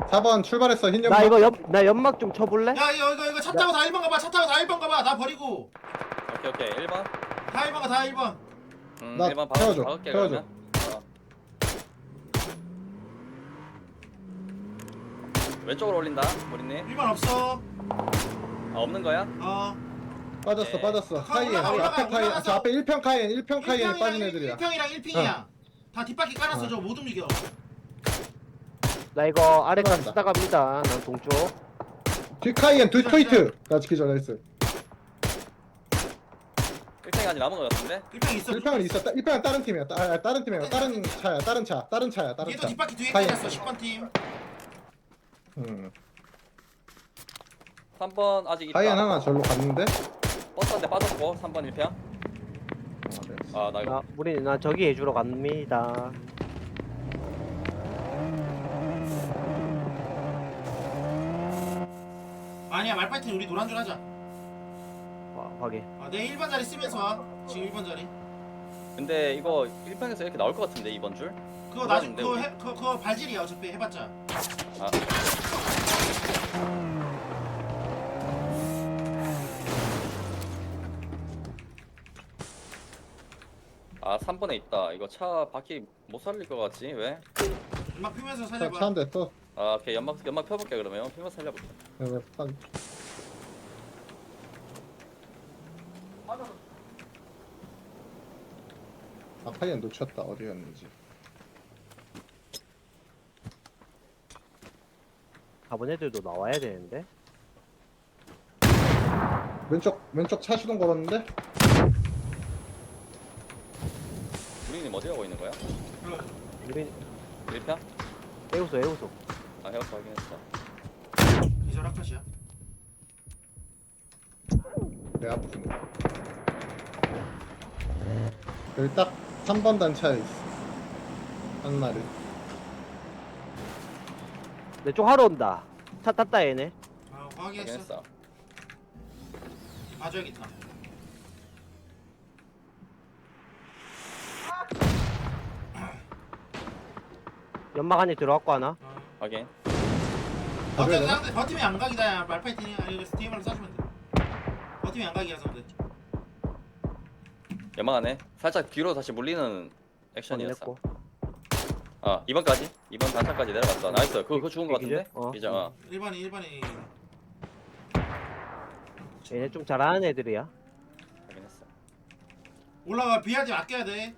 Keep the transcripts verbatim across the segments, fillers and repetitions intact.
사 번 출발했어 흰 나 연막. 이거 옆, 나 연막 좀 쳐볼래? 야 이거 이거 이거 차 타고 다 일 번 가봐. 차 타고 다 일 번 가봐. 나 버리고 오케이 오케이 일 번. 다 일 번 가. 다 일 번. 음 나 일 번 태워줘, 박을게 태워줘. 그러면. 어. 왼쪽으로 올린다 우리님. 일 번 없어. 아 없는 거야? 어. 빠졌어 네. 빠졌어. 가, 카이엔 올라가, 우리 올라가, 앞에 카이엔. 올라가서. 저 앞에 일 평 카이엔 일 평 카이엔에 빠진 애들이야. 일 평이랑 일 핑이야. 다 뒷바퀴 깔았어. 어. 저거 못 움직여. 나 이거 아래까지 들어간다. 쓰다 갑니다. 난 동쪽. 뒤 카이엔 뒤 기절, 트위트. 나 지키자 나이스. 일 평이 아직 남은 거 같은데? 일 평 있어. 일 평은 있어. 일 평은 다른 팀이야. 따, 아, 다른 팀이야. 다른 차야. 다른 차. 다른 차야. 다른 얘도 차. 뒷바퀴 뒤에 카이엔. 깔았어. 십 번 팀. 음. 삼 번 아직 있다. 카이엔 하나 절로 갔는데. 버스 한 대 빠졌고 삼 번 일 평. 아 나 이거 나 우리 나 저기 해주러 갑니다. 아니야 말파이팅 우리 노란 줄 하자. 아, 확인. 아, 내 일 번 자리 쓰면서 와. 지금 일 번 자리. 근데 이거 일 평에서 이렇게 나올 것 같은데 이번 줄? 그거 나중 몰랐는데, 그거 우리. 해, 그거, 그거 발질이야 어차피 해봤자. 아 아 삼 번에 있다. 이거 차 바퀴 못 살릴 것 같지? 왜? 막 피면서 차 살려봐. 한 대 또. 아 오케이 연막 연막 펴볼게 그러면 피면 살려볼게. 여기 한- 아 카이엔 놓쳤다. 어디였는지. 가본 애들도 나와야 되는데. 왼쪽 왼쪽 차 시동 걸었는데. 우리님 어디 가고 있는 거야? 우리 일 평? 에우소 에우소. 아 헤어스 확인했어. 기절 아카시야. 내 앞에. 여기 딱 삼 번 단차에 있어. 한 마리. 내 쪽 하러 온다. 차 탔다 얘네. 아 확인했어. 확인했어. 봐줘야겠다. 연막 안에 들어왔고 하나. 어. 확인. 가져야 버티면 되나? 상대 버티면 양각이다. 말파이팅이 아니 스팀으로 쏴주면 돼. 버티면 양각이라서 근데. 연막 안에 살짝 뒤로 다시 물리는 액션이었어. 확인했고. 아 이 번까지? 이 번 단차까지 내려갔어. 나이스. 그거 그거 죽은 거 같은데? 기절? 어. 이제 어. 일 번이 일 번이. 얘네 좀 잘하는 애들이야. 확인했어. 올라가 비하지 아껴야 돼.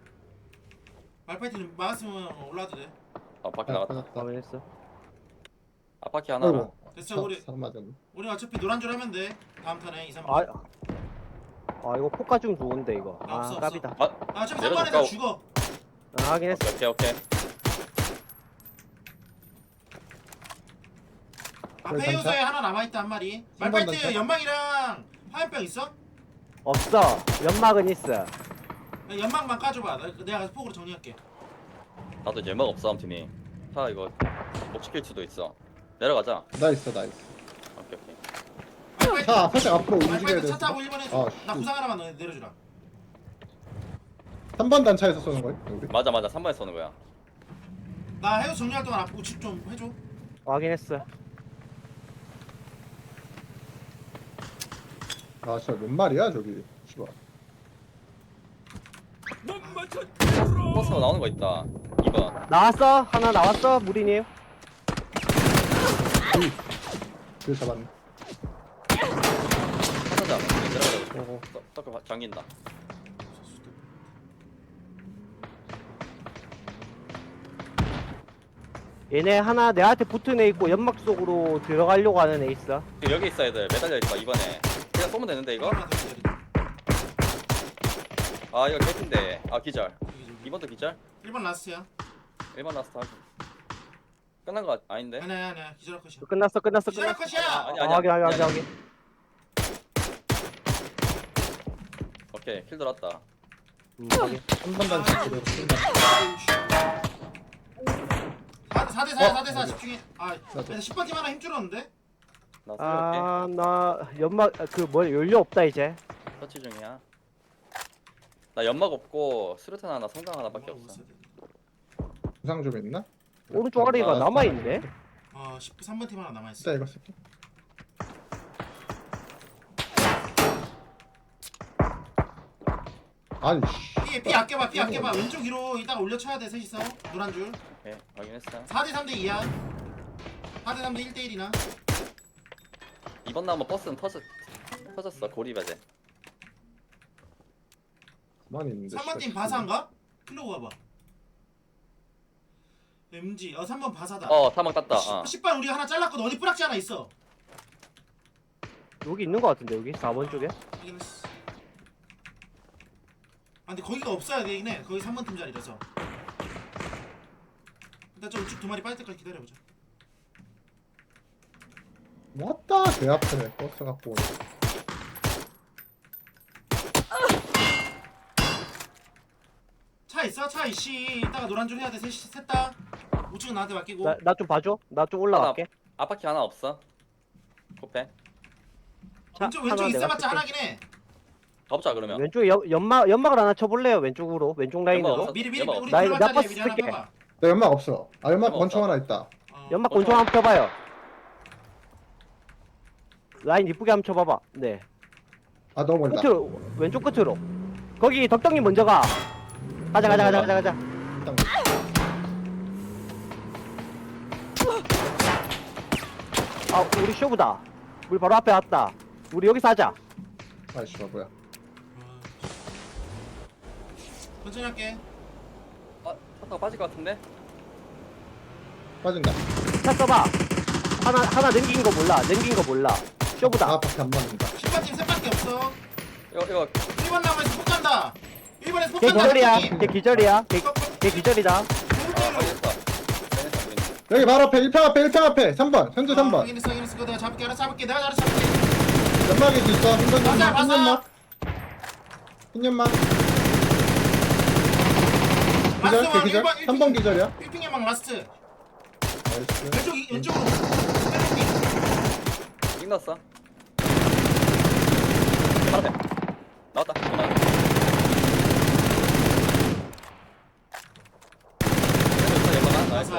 말파이팅 막았으면 올라도 돼. 아 밖에 아, 나갔다. 빠졌다. 확인했어. 앞바퀴 하나랑. 아이고. 됐어 우리 사 맞았네. 우리 어차피 노란 줄 하면 돼. 다음 턴에 이, 삼 아, 번. 아 이거 포카 좀 좋은데 이거. 아, 없어, 아 없어. 깝이다. 아 아 어차피 내려줄까? 삼 번에서 죽어. 아, 확인했어. 오케이 오케이. 오케이. 앞에 단차? 요소에 하나 남아있다 한 마리. 삼 번 말파이트 단차? 연막이랑 화염병 있어? 없어. 연막은 있어. 야, 연막만 까줘봐. 나- 내가 가서 폭으로 정리할게. 나도 이제 연막 없어 아무튼이. 차 이거 못 지킬 수도 있어. 내려가자. 나 있어 나 있어. 오케이 오케이. 말파이트, 차 살짝 앞으로 움직여야 말파이트 돼. 차 타고 일 번 해줘. 아, 나 씨. 구상 하나만 너 내려주라. 삼 번 단차에서 쏘는 거야 우리? 맞아 맞아 삼 번에 쏘는 거야. 나 해우 정리할 동안 앞으로 우측 좀 해줘. 확인했어. 아 진짜 몇 마리야 저기. 씨발. 버스가 나오는 거 있다. 이 번. 나왔어? 하나 나왔어? 무리님. 그 잡았네. 하자자. 내려가자. 어, 서- 서클 잠긴다. 얘네 하나 내한테 붙은 애 있고 연막 속으로 들어가려고 하는 애 있어. 지금 여기 있어 애들 매달려 있어 이번에. 그냥 쏘면 되는데 이거? 하나 더 기다려. 아 이거 개핀데. 아 기절. 여기, 저기. 이 번도 기절? 일 번 라스트야. 일 번 라스트 하기. 끝난 거 아닌데? 아니야 아니야 기절 컷이야. 끝났어 끝났어 기절 끝났어. 컷이야. 아니, 아, 아니야. 확인 확인 아니야. 확인 확인. 오케이 킬 들었다. 음, 확인. 삼 번 단차 그대로 쏜다. 사 대 사야 어? 사 대 사 집중해. 아 맞아. 십 번 팀 하나 힘 줄었는데? 나 살려볼게. 아, 나 연막 그 뭐 연료 없다 이제. 터치 중이야. 나 연막 없고 수류탄 하나 성강 하나밖에 없어. 부상 좀 있나? 오른쪽 아래가 아, 남아 있네. 어 어 삼 번 팀 하나 남아있어. 진짜 이거 쓸게. 아니 씨. 피, 피 아껴봐 피 아껴봐. 왼쪽 위로 이따가 올려쳐야 돼 셋이서. 노란 줄. 오케이 확인했어. 사 대 삼 대 이야. 사 대 삼 대 일 대 일이나. 이번 나무 버스는 터졌 터졌어 고리배제. 가만히 있는데. 삼 번 팀 씨발, 바사인가? 클로우 가봐. 엠지 어 삼 번 바사다. 어 사망 땄다. 어. 십 번 우리 하나 잘랐거든. 어디 뿌락지 하나 있어. 여기 있는 거 같은데 여기 사 번 쪽에. 확인했어. 아 근데 거기가 없어야 되긴 해. 거기 삼 번 팀 자리라서. 일단 저 우측 두 마리 빠질 때까지 기다려보자. 왔다 내 앞에 버스 갖고 오네. 차 있어? 차 이씨. 이따가 노란 줄 해야 돼. 셋, 셋 다. 우측은 나한테 맡기고. 나 나 좀 봐줘. 나 좀 올라갈게. 앞바퀴 하나 없어. 코페. 차 왼쪽 하나 왼쪽 내가 있어봤자 쓸게. 하나긴 해. 가보자 그러면. 왼쪽에 연, 연막 연막을 하나 쳐볼래요? 왼쪽으로 왼쪽 라인으로. 연막 없어. 미리 미리 연막 우리 나 들어갈 이거 자리에 몇 미리 하나 쓸게. 봐봐. 내 연막 없어. 아 연막 연막 권총 없어. 하나 있다. 어. 연막 어, 권총 좋아. 한번 쳐봐요. 라인 이쁘게 한번 쳐봐봐. 네. 아 너무 멀다. 끝으로 왼쪽 끝으로. 거기 덕덕님 먼저 가. 가자 가자 가자 가자 가자. 일단 아 우리 쇼부다. 우리 바로 앞에 왔다. 우리 여기서 하자. 아이씨 뭐야. 아, 천천히 할게. 아 타다가 빠질 것 같은데. 빠진다. 차 써봐. 하나 하나 넘긴 거 몰라. 넘긴 거 몰라. 쇼부다. 아 밖에 안 맞는다. 십 번 팀 셋밖에 없어. 이거 이거 일 번 나무에서 폭 간다. 일 번에서 폭 걔 간다. 기절이야. 셋 걔 기절이야. 걔, 팀. 걔 기절이다. 아 확인했어. 확인했어 우린. 여기 바로 앞에 일 평 앞에 일 평 앞에 삼 번 현재 삼 어, 번. 확인했어 확인했어. 그거 내가 잡을게. 알아서 잡을게. 내가 알아서 잡을게. 연막에도 있어. 흰 맞아, 맞아. 연막. 흰 연막. 기절 라스트 걔 왕 기절. 일 번, 삼 번 기절이야. 일 핑 연막 라스트. 나이스. 왼쪽 이- 왼쪽으로. 왼쪽 끝났어. 바로 앞에. 나왔다. 나왔다. 연막아. 나이스.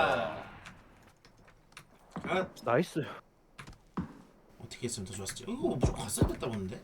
아 나이스. 어떻게 했으면 더 좋았을지. 이거 무조건 갔어야 됐다 보는데.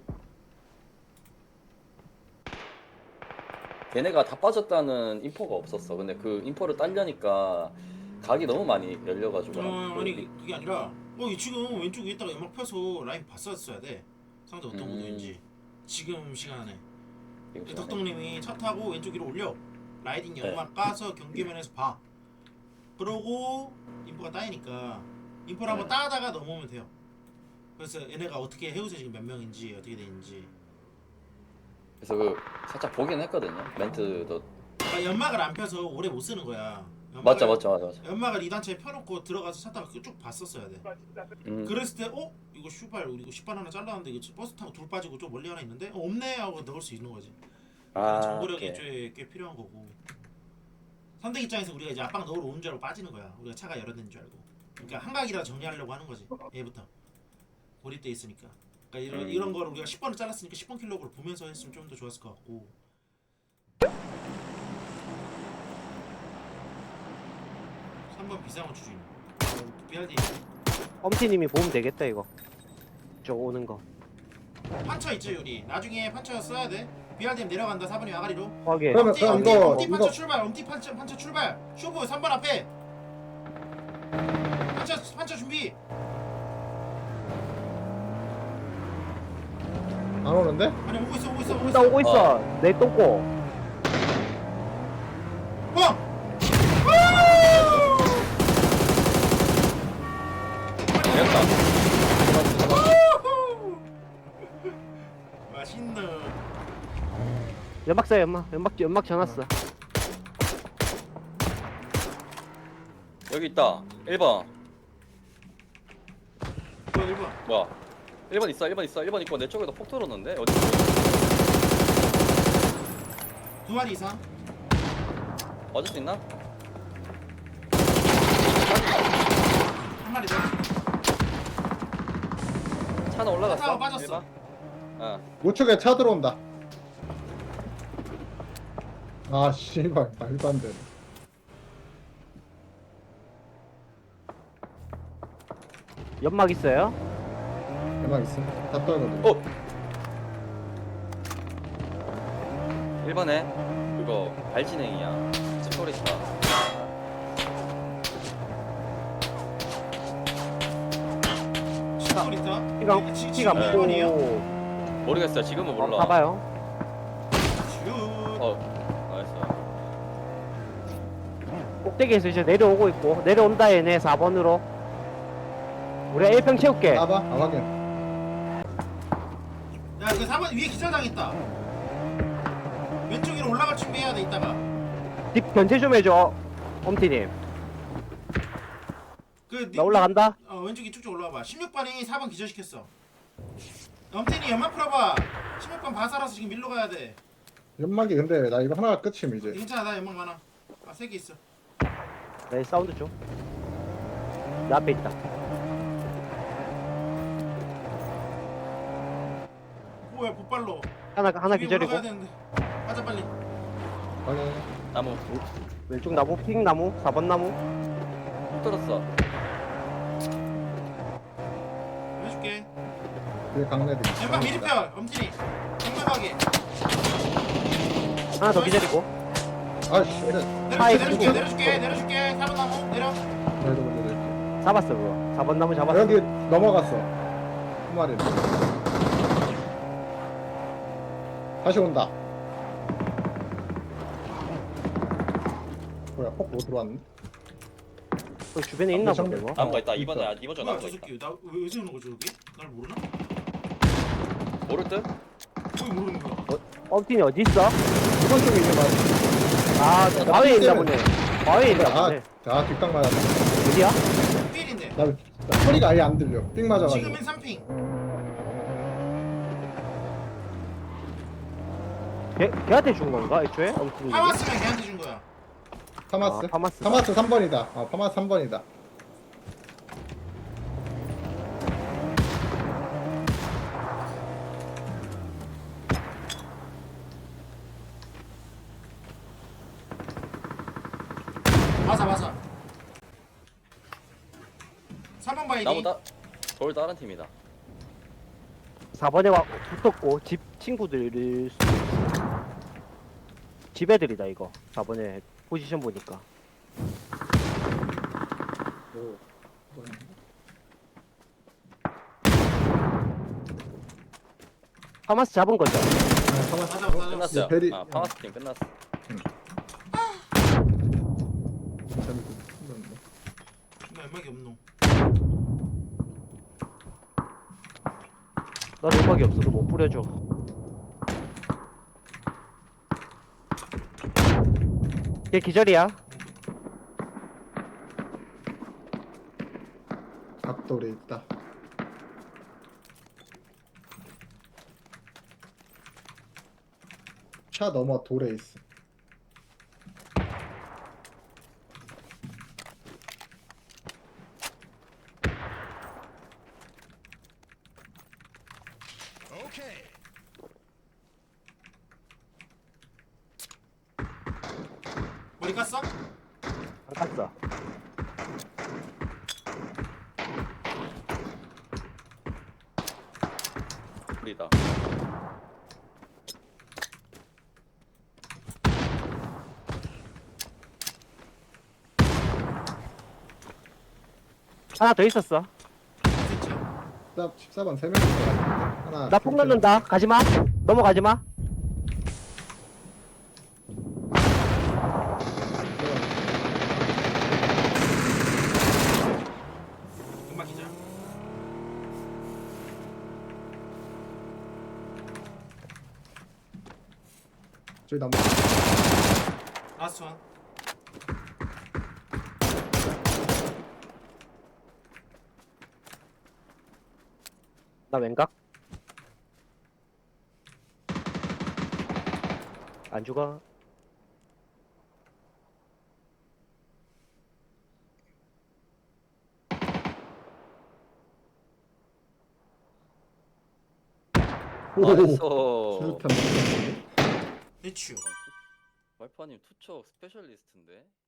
걔네가 다 빠졌다는 인포가 없었어. 근데 그 인포를 딸려니까 각이 너무 많이 열려가지고. 어 아니 그게 아니라 어이 지금 왼쪽 위에다가 연막 펴서 라인 봤었어야 돼. 상대 어떤 음. 구도인지. 지금 시간에 지금 시간에. 덕덕님이 차 타고 왼쪽 위로 올려. 라이딩 네. 연막 까서 경계면에서 봐. 그러고 인포가 따이니까 인포를 한번 네. 따다가 넘어오면 돼요. 그래서 얘네가 어떻게 해우세 지금 몇 명인지 어떻게 되는지. 그래서 그 살짝 보긴 했거든요. 멘트도. 그러니까 연막을 안 펴서 오래 못 쓰는 거야. 연막을- 맞죠, 맞죠, 맞죠, 맞죠. 연막을 이 단체에 펴놓고 들어가서 차 타고 쭉 봤었어야 돼. 음, 그랬을 때 어? 이거 슈발 우리 이거 십반 하나 잘랐는데 이거 버스 타고 둘 빠지고 좀 멀리 하나 있는데 어, 없네 하고 넣을 수 있는 거지. 아, 정보력이 오케이. 꽤, 꽤 필요한 거고. 선택 입장에서 우리가 이제 압박 넣으러 오는 줄 알고 빠지는 거야. 우리가 차가 열어낸 줄 알고. 그러니까 한각이라 정리하려고 하는 거지. 얘부터 고립돼 있으니까. 그러니까 이런 음. 이런 거를 우리가 십 번을 잘랐으니까 십 번 킬로그를 보면서 했으면 좀 더 좋았을 것 같고. 삼 번 비상호 주주인. 어, 비알디 엄티님이 보면 되겠다 이거. 저 오는 거. 판처 있죠 요리. 나중에 판처 써야 돼. 비알디엠 내려간다 사 번이 아가리로. 확인. 그러면 엄티 그럼 엄티 이거 엄티 판처 이거 출발. 엄티 판처 판처 출발. 쇼부 삼 번 앞에. 판처 판처 준비. 안 오는데? 아니 오고 있어 오고 있어 오고 나 있어. 오고 있어. 내 똥꼬. 어! 되었다. 맛있노. 연막 써 연막. 연막 연막 전화어. 여기 있다. 일 번. 뭐 일 번. 뭐야? 일 번 있어, 일 번 있어, 일 번 있고 내 쪽에도 폭 들었는데 어디? 두 마리 이상. 맞을 수 있나? 한 마리 더. 차는 올라갔어. 차가 빠졌어. 일 번? 어. 우측에 차 들어온다. 아 씨발 말도 안 되네. 연막 있어요? 대박 있어. 다 떨거든. 어. 일 번에 그거 발진행이야. 스토리스다. 십돌 있다. 피가 지- 피가 지금 일 번이에요? 없고. 모르겠어요. 지금은 몰라. 봐봐요. 슛. 어, 나이스. 꼭대기에서 이제 내려오고 있고 내려온다 얘네 사 번으로. 우리가 일 평 채울게. 까봐. 아 확인. 야, 그 사 번 위에 기절당했다. 왼쪽 위로 올라갈 준비해야 돼 이따가. 딥 견제 좀 해줘. 엄티님. 그 나 올라간다. 어 왼쪽이 쭉쭉 올라와봐. 십육 번이 사 번 기절시켰어. 엄태니 연막 풀어봐. 십육 번 바사라서 지금 밀로 가야 돼. 연막이 근데 나 이거 하나가 끝임 이제. 괜찮아, 나 연막 많아. 아, 세 개 있어. 내 사운드 좀. 내 앞에 있다. 뭐야, 곧발로. 하나 하나 위에 기절이고. 올라가야 되는데. 가자 빨리. 확인. 나무 왼쪽 나무 핑 나무 사 번 나무. 훅 들었어. 해줄게. 뒤에 강내도 있어. 연막 미리 펴. 엄태니. 연막하게. 하나 더 기절이고. 아씨. 그래. 하이, 내려줄게, 그리고- 내려줄게, 내려줄게. 사 번 나무 내려. 그래도 먼저 낼게. 잡았어 그거. 사 번 나무 잡았어. 여기 넘어갔어. 한 마리. 다시 온다. 뭐야? 폭못 들어왔네. 그 주변에 있나 아, 보네 뭐. 나무가 있다. 있어. 이번에 아, 이번 주 뭐야, 나무가 저 있다. 새끼. 나왜 왜 저러는 거지 여기? 날 모르나? 모를 듯? 왜 모르는 거야? 엄티니 어디 있어? 이번 쪽에 있는 말. 아 마위에 있나 보네. 마위에 있나 아, 보네. 아 뒷땅 맞았다. 어디야? 필인데. 나, 나 소리가 아예 안 들려. 삥 맞아가지고. 지금은 삼 핑. 걔 걔한테 준 건가 애초에? 엄티니. 파마스면 걔한테 준 거야. 파마스? 아, 파마스. 파마스 삼 번이다. 어, 파마스 삼 번이다. 맞아, 맞아. 삼 번 봐야지. 나무 다 돌 다른 팀이다. 사 번에 와 붙었고 집 친구들일 수도 있어. 집 애들이다 이거. 사 번에 포지션 보니까. 파마스 잡은 거죠? 아, 파마스. 맞아, 맞아. 끝났어요. 이 베리- 아, 파마스 팀 끝났어. 나 연막이 없노. 나 음악이 없어서 못 뿌려줘. 걔 기절이야. 앞돌에 있다. 차 넘어 돌에 있어. 머리 깠어? 안 깠어. 우리다. 하나 더 있었어. 진짜. 십사, 십사 번 세 명 있어. 하나. 나 폭 넣는다. 가지마. 넘어가지마. 연막 기절. 저기 나무. 라스트 원. 나 왼각. 안 죽어. 나이스. 수류탄. 대추. 와이퍼님 투척 스페셜리스트인데?